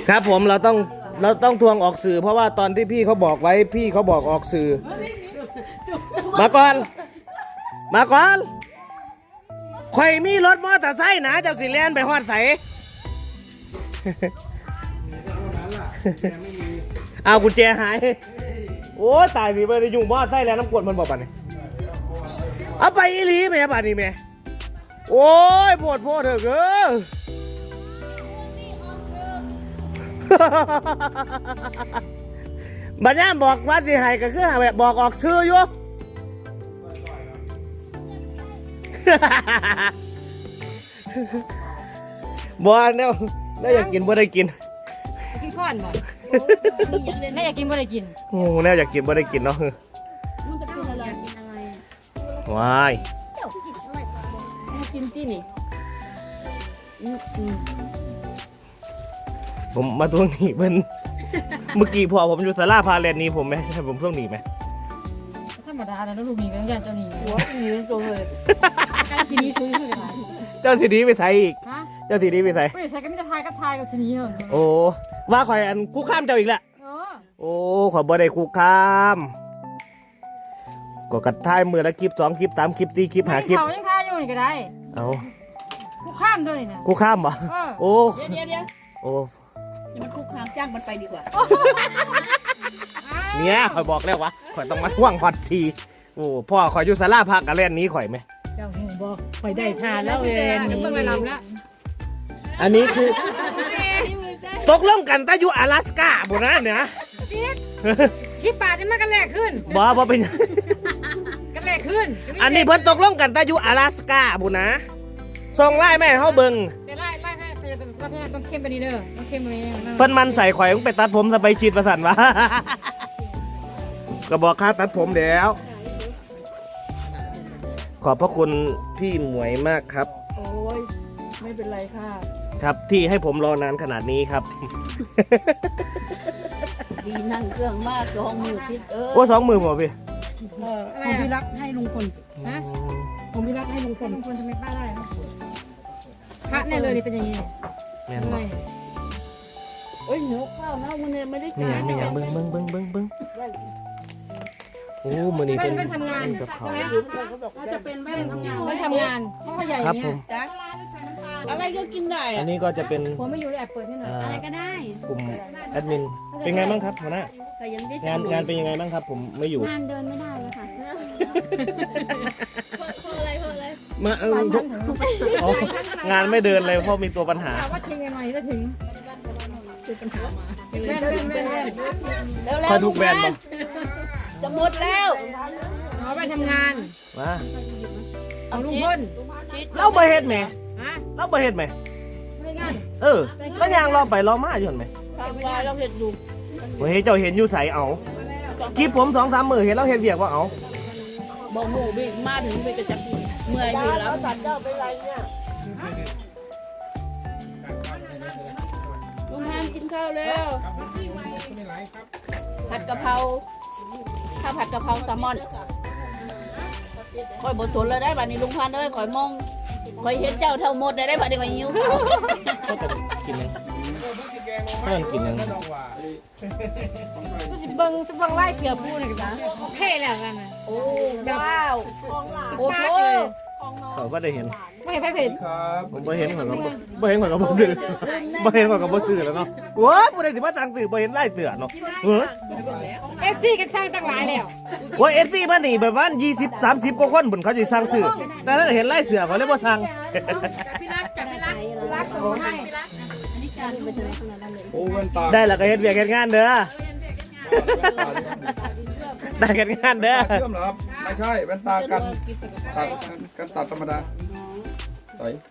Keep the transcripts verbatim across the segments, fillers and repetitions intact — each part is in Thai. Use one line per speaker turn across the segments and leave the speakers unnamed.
ครับผมเราต้องเราต้องทวงออกสื่อเพราะว่าตอนที่พี่เขาบอกไว้พี่เขาบอกออกสื่อมาก่อนมาก่อนข่อยมีรถมอเตอร์ไซค์นะเจ้าสิเลียนไปฮอดใสเอากุญแจหายโอ้ตายสิไปได้ยุ่งมอเตอร์ไซค์แล้วน้ำกรดมันบอกป่ะเนี่ยเอาไปอีหลีแม่ป่ะนี่แม่โอ้ยปวดโพดเถอะเก้อบัดนี้บอกว่าสิให้ก็คือแบบบอกออกชื่ออยู่บ่เนี่ยน่าอยากกินบ่ได้กิน
กินข้อนบ่น่าอยากกินบ่ได้กิน
โอ้น่าอยากกินบ่ได้กินเนาะ
มันจะกินอะไรกินอะไร
ว้าย
เจ้ากินอะไรมากินที่นี่
ผมมาทวงหนี้เพิ่นเมื่อกี้พอผมอยู่ศาลาพาแลนนี้ผมไหมให้ผมทวงหนี้ไหม
ธรรมดาแล้วลูกหนี้ก็ยังเจ้าหนี้หัวหนี้ตัวเลยการทีนี้ซื้อคืออะไร
เจ้าทีนี้ไปไทยอีกเจ้าทีนี้ไปไทย
ไม่ใช่ก็ไม่จะทายก็ทายกับทีนี้เหรอ
โอ้ว่าข่อยอันคุกข้ามเจ้าอีกแหละโอ้ข่อยบ่ได้คุกข้ามก็กระทายมือละคลิปสองคลิปสามคลิปสี่คลิปห้าคลิป
เขายังทายอยู่นี่ก็ได้
เอา
คุกข้ามด้วยนะ
คุกข้ามเหรอโอ้
เดี๋ยวเดี๋ยว
โอ้
อย่ามันคุกคามจ้างมันไปดีกว่า
เนี่ยข่อยบอกแล้ววะข่อยต้องมาท่วงฮอตทีโอ้พ่อข่อยอยู่ศาลาพักกับแล่นนี้ข่อยไหม
เจ้าหูบอกข่อยได้ทานแล้วเลยนี่เพิ่งไปลำแล้ว
อันนี้คือตกลงกันตะอยู่阿拉斯加บุนะเนี่ย
ชิปชิปบาทนี่มันกันแรกขึ้น
บ่บ่เป็น
กันแรกขึ้น
อันนี้เพิ่นตกลงกันตะอยู่阿拉斯加บุนะส่งไล่แม่เฮาเบิ่ง
ไล่ไล่ให้พยายามพยายามต้องเข้มไปนี่เด้อต้องเข้มไปนี่
เพิ่นมันใส่ข่อยมึงไปตัดผมสบายชีดประสันวะก็บอกค่าตัดผมแล้วขอบพระคุณพี่หมวยมากครับ
โอ้ยไม่เป็นไรค่ะ
ครับที่ให้ผมรอนานขนาดนี้ครับ
ดีนั่งเครื่องมากสองมือพิษเออ
โอ้สองมือผมพี่
ผมพี่รักให้ลุงพล
นะ
ผมพี่รักให้ลุงพล
ลุงพลทำไมป้าได้พระแน่เลยนี่เป็นอย่างนี้
แม่นบ่
เอ้ยหิวข้าวนะมันเนี่ยไม่ได้กิน
ไม่อยากเบิ้งเบิ้งเบิ้งเบิ้งเบิ้งโอ้มื้อนี้เป็น
ทำงาน
กับเขา
จะเป็นแม่ทำงานไม่ทำงานเพราะว่าใหญ่
ครับผม
อะไรก็กินได้
อันนี้ก็จะเป็น
ผมไม่อยู่แอบเปิดให้หน่อย
อะไรก็ได้
กลุ่มแอดมินเป็นไงบ้างครับหัวหน้างานงานเป็นยังไงบ้างครับผมไม่อยู่
งานเดินไม่ได้เลยค่ะ
เพราะอะไรเพราะอะไร
มาเอองานไม่เดินเลยเพราะมีตัวปัญหา
ว่าทิ้งยังไงจะถึงเจอปัญหามาเล่นเล่นเล่นเล่น
แล้วแล้ว
คอยทุกแบรนด์บ่
จะหมดแล้ว
เอาไปทำงาน
มา
เอาลุงพล
เราบ่เฮ็ดแหมเราบ่เฮ็ดแหม
ไม่งั้น
เออก็ยังรอไปรอมาอยู่หั่นแหม
ทำลายเราเห็ดดู
บ่เฮ็ดเจ้าเห็นอยู่ไสเอากิ๊บผม สองสาม มื้อเห็นเราเฮ็ดเวียกว่าเอา
บ่หมู่บิมาถึงไปกระจับเมื่อยอยู่แล้วตัดเจ้าไปไรเนี่ยลุงฮันกินข้าวแล้วผัดกะเพราข้าวผัดกะเพราแซลมอนคอยบดสนเลยได้บัดนี้ลุงพันเอ้ยคอยมองคอยเห็นเจ้าเท่าหมดได้ได้บัดนี้คอยหิวข้าว
กินยังข้าวกินยัง
ผู้สิเบิ้งจะเบิ้งไล่เสือปูหน่อยกันนะโอเคแล้วกันนะ
โอ้ว้าวโอ้โห
เขาก็ได้เห็น
ไม่เห็นไม่เห็น
ผมไม่เห็นเขาก็ไม่เห็นเขาก็บ่ซื้อไม่เห็นเขาก็บ่ซื้อแล้วเนาะว้าผู้ใดสิมาสั่งซื้อบ่เห็นไล่เสือเนาะเออ
เอฟซีกันสร้างตั้งหลายแล้ว
ว่า เอฟ ซี มานี่แบบว่ายี่สิบ สามสิบกว่าคนบุญเขาสิสั่งซื้อแต่ถ้าเห็นไล่เสือเขาเลยบ่สั่ง
พี่รักจับพี่รักรักส่งให้พี่รักอันนี้การไปถึงขนาดนั้นเลย
โอ้เงินตาได้แล้วก็เฮ็ดเวียกเฮ็ดงานเด้อได้กันงานเด้อ
เชื่อมเหรอครับไม่ใช่แว่นตากันตัดกันตัดธรรมดาต่อย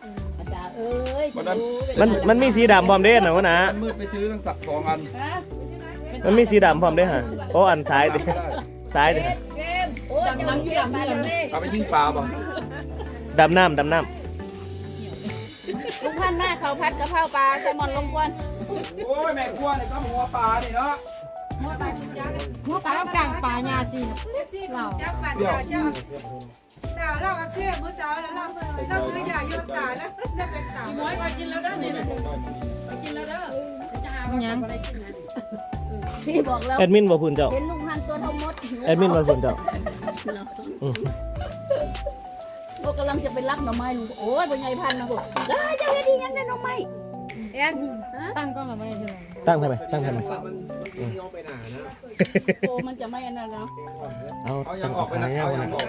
มันมันมีสีดำพร้อมเด้นะวะนะ
มืดไปซื้อตั้งตัดสองอัน
มันมีสีดำพร้อมเด้ฮะโอ้อันซ้ายดิซ้ายดิ
ดำน้ำอยู่ดำน้ำ
เอาไปยิงปลาบ่
ดำน้ำดำน้ำ
ลุงพันหน้าเขาพัดกะเพราปลาแซลมอนลงกวน
โอ้ยแม่กวนเนี่ยต้องหัวปลานี่เนาะ
หัวปลาหัวปลาต้องกลางปลาญาซีเรา
เดี๋ยว
ตาเราอักเสบเมื่อเช้าแล้วเราเราซื้อยาโยนตาแล้วแล้วเป็นตา
น้อยไปกินแล้วเด้อนี่นะไปกินแล้วเด้อจะหามันยัง
พี่บอกแล้ว
แอดมินบ่พูนเจ้า
เห็นลุงพันตัวเท่ามด
แอดมินบ่พูนเจ้าอืม
พวกกำลังจะไปรักหน่อไม้ลุงโอ้ยเป็นไงพันนะพวกได้จะเฮ็ดอีหยังได้หน่อไม้
เอ็นตั้งกล้องกับอะไรเท่าไหร่
ตั้งทำไมตั้งทำไม
โอ้มันจะไม่อันนั้นแล้ว
เอา
เอา
ตั้
ยัง ง
อ
อ
อ
อก ก
ไป
ไป
นะ
นะเอายังออก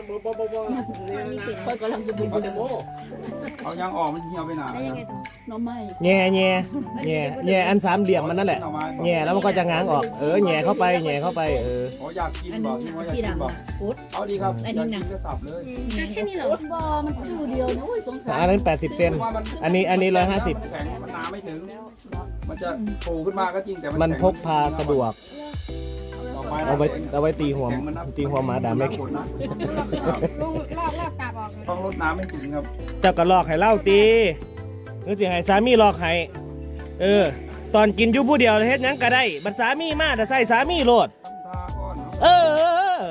ค่อยกำลังจะบินไปเดโม
เอายังออกมันเหี่ยวไปหนา
หน่อไม้
แง่แง่แง่แง่อันสามเหลี่ยมมันนั่นแหละแง่แล้วมันก็จะง้างออกเออแง่เข้าไปแง่เข้าไปเออ
โอ้อยากกินบอกที่ว่าอยากกินบอกเอาดีครับอยากกินก็สับเลย
แค่นี้เหรอบ่มันชื่อเดียวนะโอ้ยสงสาร
อันนั้นแปดสิบเซนอันนี้อันนี้ร้อยห้าสิบ
แข็งมันน้ำไม่ถึง มันจะปูขึ้นมาก็จริงแต่
มันพกพาสะดวกเอาไว้เอาไว้ตีหัวตีหัวหมาด่าไม่
ลูกลอกลอกกาบออก
ต้องลดน้ำไม่ถึงครับ
เจ้าก็ลอกให้เล่าตีนึกสิให้สามีลอกให้เออ ตอนกินอยู่ผู้เดียวเฮ็ดหยังก็ได้บัดสามีมาแต่ใส่สามีโลด
ตาก้อน
เออ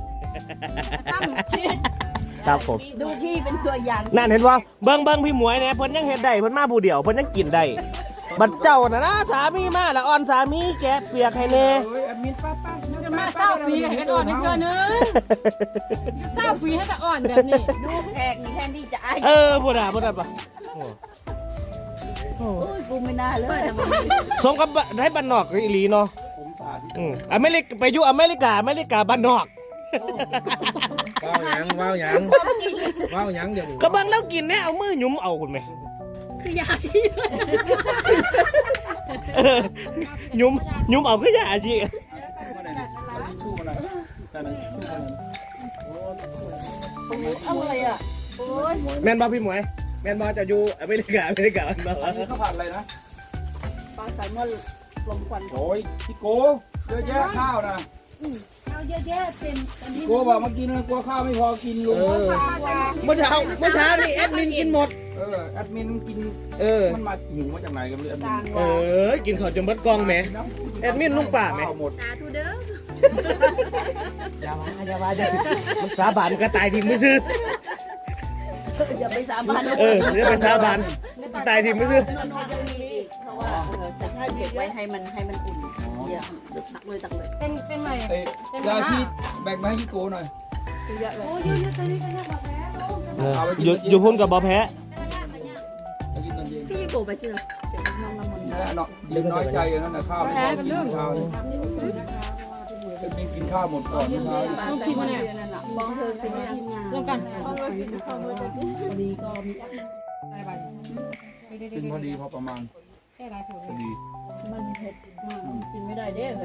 ครับผม
ดูที่เป็นตัวอย่าง
นั่นเห็นว่าเบิ่งเบิ่งพี่หมวยเนี่ยเพิ่นยังเฮ็ดได้เพิ่นมาผู้เดียวเพิ่นยังกินได้บัดเจ้าน่ะนะสามีมาแล้วอ่อนสามีแกะเปียกให้แน่
เฮ้ยแอดมินป้าป้า
จะมาเศร้าปีให้กันอ่อนนิดเดียวนึงเศร้าปีให้แต่อ่อนแบบนี้
ดูแขกนี่แทนที่จะอาย
เออบ่ได้บ่ได้ปะโอ้
โอ้ยกูไม่น่าเลยทำไม
สมกับให้บ้านนอกอีหลีเนาะ
ผมสาธิต
อืมอเมริกไปอยู่อเมริกาอเมริกาบ้านนอก
ว้าวหยังว้าวหยังว้าวหยังเดี๋ยวนี้
ก็เบิ่งแล้วกินแน่เอามือหยุมเอาคุณแม่
คือยาชี
เออหยุมหยุมเอาคือยาสิ
มาไหนดิเอาทิชชู่มาหน่อยแต่นั้นทิชชู่มาหน่อย
เอาอะไรอ่ะโอ้ย
แม่นบ่พี่หมวยแม่นบ่จะอยู่อเมริกาอเมริกาบ้านนอก
อันนี้ข้าวผัดอะไรนะ
ปลาใส่เมื่อลมควัน
โอ้ยพี่โก้เยอะแยะข้าวนะ
เอาเยอะแยะเต็มอันนี้
พี่โก้บอกเมื่อกี้นะกลัวข้าวไม่พอกินลุง
เออเมื่อเช้าเมื่อเช้านี่แอดมินกินหมด
เออแอดมินกิน
เออ
มันมาหิวมาจากไหนกันเลยแอดมิน
เออกินข้าวจนเบิดกล่องแหมแอดมินลุงป่าแหม
ข้าวหมด
สาธุเด้อ
อย่ามาอย่ามาอย่ามันสาบานก็ตายทีมือซื้อ
อย่าไปสาบาน
เอออย่าไปสาบานตายทีมือซื้อ
นอนยังมีอีกเพราะว่าเออจะให้เก็บไว้ให้มันให้มันอุ่นเดี๋ยวตักเลยตักเลย
เต็มเต็มใหม่
เอ้ยยาที่แบ่งมาให้พี่โก้หน่อย
เยอะเลย
เอออยู่อยู่พุ่นกับบอแพ้
จะกินตอนเย็น
พี่โกไปเชื่อเดี๋ยวน้องน้ำมัน
นั่นแหละเนาะยืนน้อยใจอย่างนั้นนะข้าวไม่พอกินข้าวเลยแอดมินกินข้าวหมดก่อนเมื่อเช้า
ปลาใส่เมื่อนั่นน่ะมองเธอคือไม่ทีมงาน
รวมกัน
เข้าเลยเข้าเลยพอดีก็มี
ได้ใบ
กินพอดีพอประมาณ
แค่ไรผล
พอดี
มันเผ็ดมากกินไม่ได้เด้เลย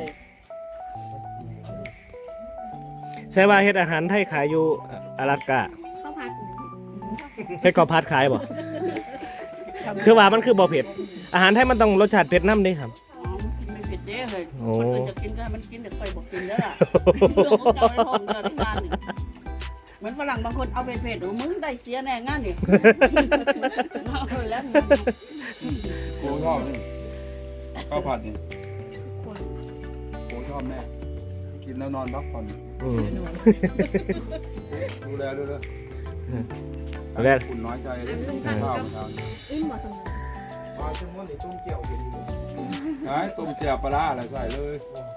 ใช่ว่าเฮ็ดอาหารไทยขายอยู่อารักกะ
ข้าวผัด
เฮ็ดกอพัดขายบ่คือว่ามันคือบ่เผ็ด อาหารไทยมันต้องรสชาติเผ็ดน้ำเด้ครับ
กินไม่เผ็ดเด้เลย
โอ้
คนอื่นจะกินก็มันกินแต่ค่อยบอกกินแล้วล่ะเรื่องของเจ้าในห้องเจ้าในงานนี่เหมือนฝรั่งบางคนเอาเผ็ดๆหรือมึงได้เสียแน่งานนี่เอาแล้ว
โก้ชอบนี่ข้าวผัดนี่โก้ชอบแน่กินแล้วนอนพักผ่อน
อืม
ดูแลด้วยนะ
เอาแรก
คุณน้อยใจเลยข้าวเช้า
อิ่มหมดตรงนั้น
ปลาชิ้นม้วนนี่ต้มเกี่ยวกินไอ้ต้มเกี่ยวปลาร้าอะไรใส่เลย
อ